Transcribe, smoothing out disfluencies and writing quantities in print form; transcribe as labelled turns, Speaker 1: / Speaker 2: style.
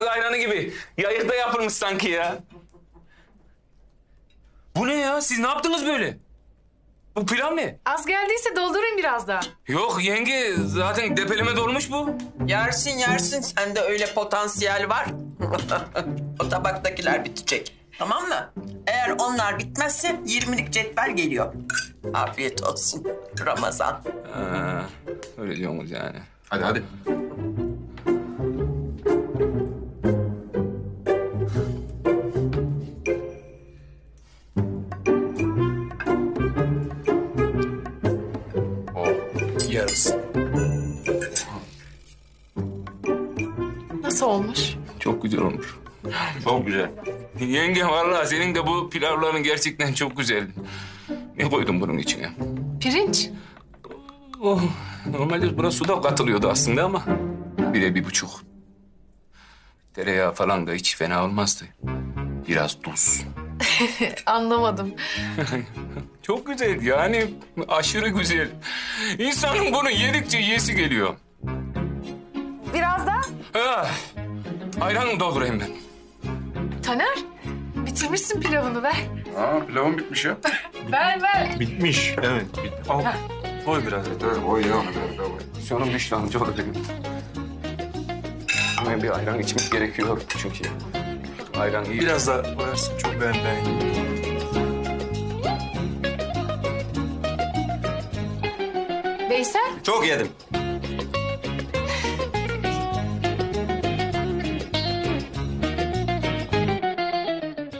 Speaker 1: ayranı gibi. Yayıkta yapılmış sanki ya. Bu ne ya? Siz ne yaptınız böyle? Bu pilav ne?
Speaker 2: Az geldiyse doldurayım biraz daha.
Speaker 1: Yok yenge, zaten depeleme dolmuş bu.
Speaker 3: Yersin yersin, sende öyle potansiyel var. O tabaktakiler bitecek. Tamam mı? Eğer onlar bitmezse 20'lik cetvel geliyor. Afiyet olsun Ramazan.
Speaker 1: Ha, öyle diyorsunuz yani.
Speaker 4: Hadi hadi.
Speaker 1: Yarısı.
Speaker 2: Nasıl olmuş?
Speaker 1: Çok güzel olmuş.
Speaker 4: Çok güzel.
Speaker 1: Yenge vallahi senin de bu pilavların gerçekten çok güzel. Ne koydun bunun içine?
Speaker 2: Pirinç.
Speaker 1: Oh, normalde buna su da katılıyordu aslında ama 1'e 1,5. Tereyağı falan da hiç fena olmazdı. Biraz tuz.
Speaker 2: Anlamadım.
Speaker 1: Çok güzel yani aşırı güzel. İnsanın bunu yedikçe yesi geliyor.
Speaker 2: Biraz daha.
Speaker 1: Ah, ayran doldurayım ben.
Speaker 2: Taner, bitirmişsin pilavını ver.
Speaker 4: Aa, pilavım bitmiş ya.
Speaker 2: Ver.
Speaker 5: Bitmiş. Evet. Al. Koy biraz.
Speaker 4: Evet, oy ya. Evet.
Speaker 1: Canım düştü amcaoğlu benim. Hemen bir ayran içmek gerekiyor çünkü. Ayran iyi.
Speaker 5: Biraz daha koyarsın. Çok ben.
Speaker 2: Veysel,
Speaker 5: Çok yedim.